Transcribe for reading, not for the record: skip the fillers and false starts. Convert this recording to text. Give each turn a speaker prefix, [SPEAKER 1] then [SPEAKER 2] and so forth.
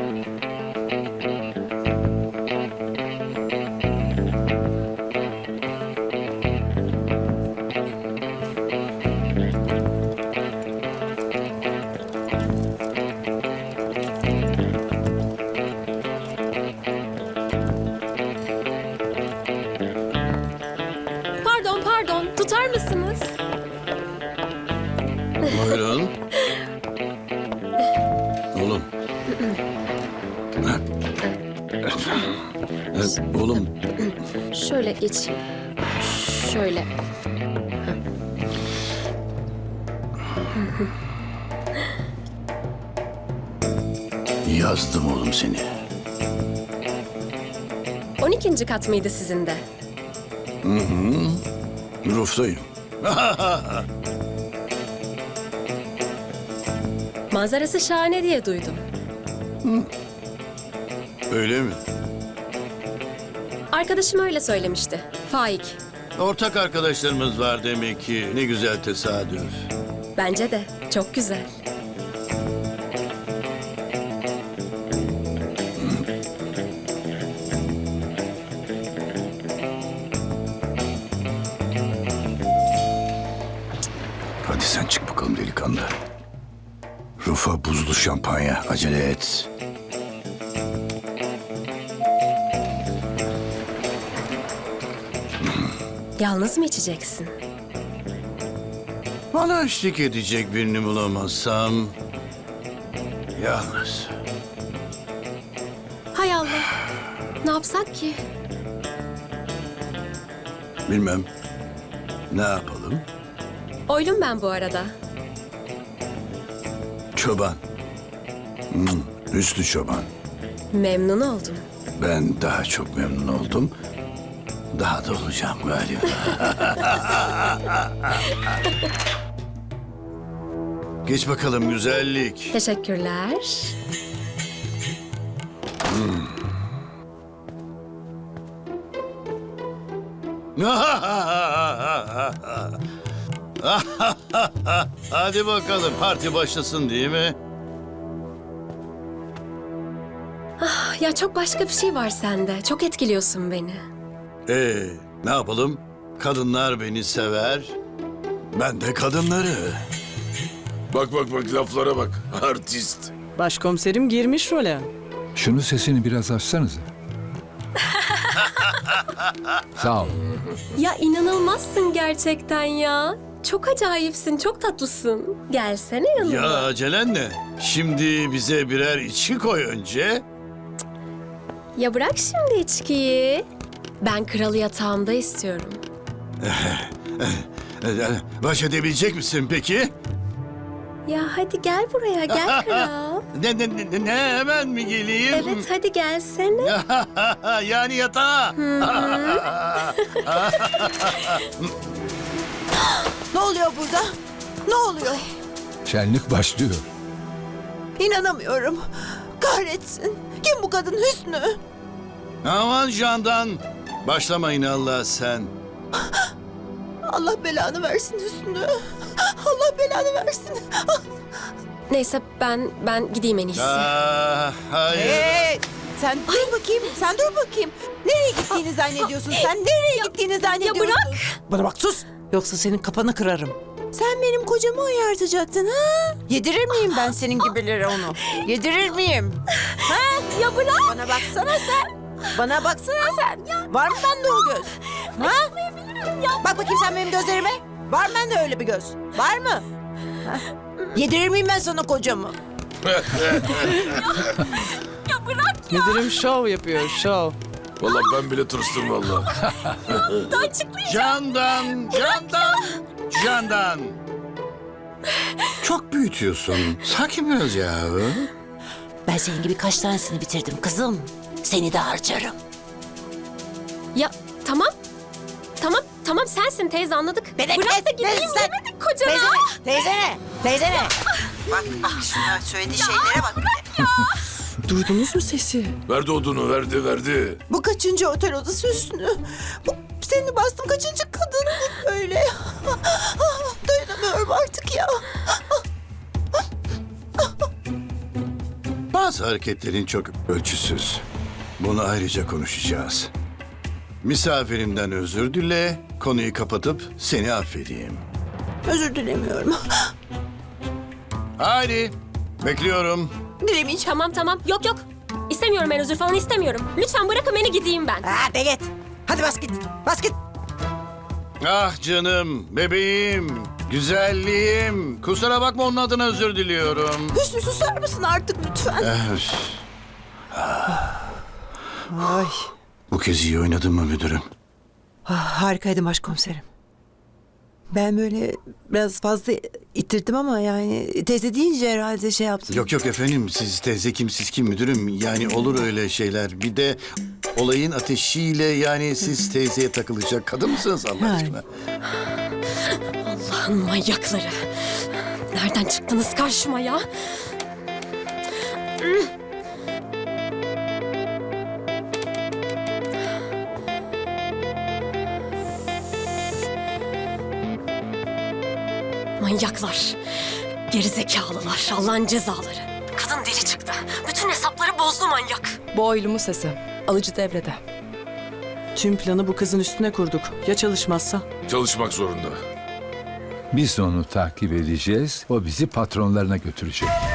[SPEAKER 1] Pardon, tutar mısınız?
[SPEAKER 2] Buyurun. Oğlum. Oğlum.
[SPEAKER 1] Şöyle geç. Şöyle.
[SPEAKER 2] Yazdım oğlum seni.
[SPEAKER 1] 12. kat mıydı sizin de?
[SPEAKER 2] Ruftayım.
[SPEAKER 1] Manzarası şahane diye duydum.
[SPEAKER 2] Öyle mi?
[SPEAKER 1] Arkadaşım öyle söylemişti. Faik.
[SPEAKER 2] Ortak arkadaşlarımız var demek ki. Ne güzel tesadüf.
[SPEAKER 1] Bence de. Çok güzel.
[SPEAKER 2] Hadi sen çık bakalım delikanlı. Rufa buzlu şampanya. Acele et.
[SPEAKER 1] Yalnız mı içeceksin?
[SPEAKER 2] Bana eşlik edecek birini bulamazsam... Yalnız.
[SPEAKER 1] Hay Allah. Ne yapsak ki?
[SPEAKER 2] Bilmem. Ne yapalım?
[SPEAKER 1] Oylum ben bu arada.
[SPEAKER 2] Çoban. Hüsnü Çoban.
[SPEAKER 1] Memnun oldum.
[SPEAKER 2] Ben daha çok memnun oldum. Daha da olacağım galiba. Geç bakalım güzellik.
[SPEAKER 1] Teşekkürler.
[SPEAKER 2] Hadi bakalım parti başlasın değil mi?
[SPEAKER 1] Ya çok başka bir şey var sende. Çok etkiliyorsun beni.
[SPEAKER 2] Ne yapalım? Kadınlar beni sever. Ben de kadınları.
[SPEAKER 3] Bak laflara bak. Artist.
[SPEAKER 4] Başkomiserim girmiş role.
[SPEAKER 5] Şunu sesini biraz açsanıza. Sağ ol.
[SPEAKER 1] Ya inanılmazsın gerçekten ya. Çok acayipsin, çok tatlısın. Gelsene yanıma.
[SPEAKER 2] Ya acelen ne? Şimdi bize birer içki koy önce.
[SPEAKER 1] Ya bırak şimdi içkiyi. Ben kralı yatağımda istiyorum.
[SPEAKER 2] Baş edebilecek misin peki?
[SPEAKER 1] Ya hadi gel buraya, gel kral.
[SPEAKER 2] Ne hemen mi geleyim?
[SPEAKER 1] Evet hadi gelsene.
[SPEAKER 2] Yani yatağa.
[SPEAKER 6] Ne oluyor burada? Ne oluyor?
[SPEAKER 5] Şenlik başlıyor.
[SPEAKER 6] İnanamıyorum. Kahretsin. Kim bu kadın Hüsnü?
[SPEAKER 2] Aman Candan. Başlamayın Allah sen.
[SPEAKER 6] Allah belanı versin Hüsnü. Allah belanı versin.
[SPEAKER 1] Neyse ben gideyim en iyisi.
[SPEAKER 2] Hayır.
[SPEAKER 6] Hey, sen dur bakayım. Sen dur bakayım. Nereye gittiğini zannediyorsun sen? Nereye gittiğini zannediyorsun?
[SPEAKER 1] Ya bırak.
[SPEAKER 4] Bana bak sus. Yoksa senin kafanı kırarım.
[SPEAKER 6] Sen benim kocamı uyartacaktın ha? Yedirir miyim ben senin gibilere onu? Yedirir miyim? Ha?
[SPEAKER 1] Ya bırak.
[SPEAKER 6] Bana baksana sen. Bana baksana sen. Var mı bende o göz? Ha? Bak bakayım sen benim gözlerime. Var mı bende öyle bir göz? Var mı? Ha? Yedirir miyim ben sana kocamı?
[SPEAKER 4] Müdürüm şov yapıyor, şov.
[SPEAKER 3] Vallahi ben bile tırstım vallahi.
[SPEAKER 2] Candan. Çok büyütüyorsun. Sakin biraz ya.
[SPEAKER 6] Ben senin gibi kaç tanesini bitirdim kızım. Seni de harcarım.
[SPEAKER 1] Ya tamam sensin teyze anladık.
[SPEAKER 6] Bebek,
[SPEAKER 1] Bırak da gideyim
[SPEAKER 6] sen-
[SPEAKER 1] demedik kocana.
[SPEAKER 6] Teyzene. Bak şuna söylediği şeylere bak.
[SPEAKER 4] Duydunuz mu sesi?
[SPEAKER 3] Verdi odunu, verdi.
[SPEAKER 6] Bu kaçıncı otel odası Hüsnü? Bu seni bastım kaçıncı kadın bu böyle? Dayanamıyorum artık ya.
[SPEAKER 2] Bazı hareketlerin çok ölçüsüz. Bunu ayrıca konuşacağız. Misafirimden özür dile, konuyu kapatıp seni affedeyim.
[SPEAKER 6] Özür dilemiyorum.
[SPEAKER 2] Haydi, bekliyorum.
[SPEAKER 6] Dilemeyeceğim.
[SPEAKER 1] Tamam. Yok. İstemiyorum, ben özür falan istemiyorum. Lütfen bırakın beni gideyim ben.
[SPEAKER 6] Hadi git. Hadi bas git. Bas git.
[SPEAKER 2] Ah canım, bebeğim, güzelliğim. Kusura bakma, onun adına özür diliyorum.
[SPEAKER 6] Hüsnü susar mısın artık lütfen?
[SPEAKER 2] Üf,
[SPEAKER 6] Ay.
[SPEAKER 2] bu kez iyi oynadın mı müdürüm?
[SPEAKER 6] Harikaydı başkomiserim. Ben böyle biraz fazla ittirdim ama yani teyze deyince herhalde şey yaptım.
[SPEAKER 2] Yok efendim, siz teyze kim siz kim müdürüm, yani olur öyle şeyler. Bir de olayın ateşiyle, yani siz teyzeye takılacak kadın mısınız Allah
[SPEAKER 6] Yani.
[SPEAKER 2] aşkına?
[SPEAKER 1] Allah'ın manyakları. Nereden çıktınız karşıma ya? Manyaklar. Gerizekalılar. Allah'ın cezaları. Kadın deli çıktı. Bütün hesapları bozdu manyak.
[SPEAKER 7] Bu oylumun sesi. Alıcı devrede.
[SPEAKER 4] Tüm planı bu kızın üstüne kurduk. Ya çalışmazsa?
[SPEAKER 3] Çalışmak zorunda.
[SPEAKER 5] Biz de onu takip edeceğiz. O bizi patronlarına götürecek.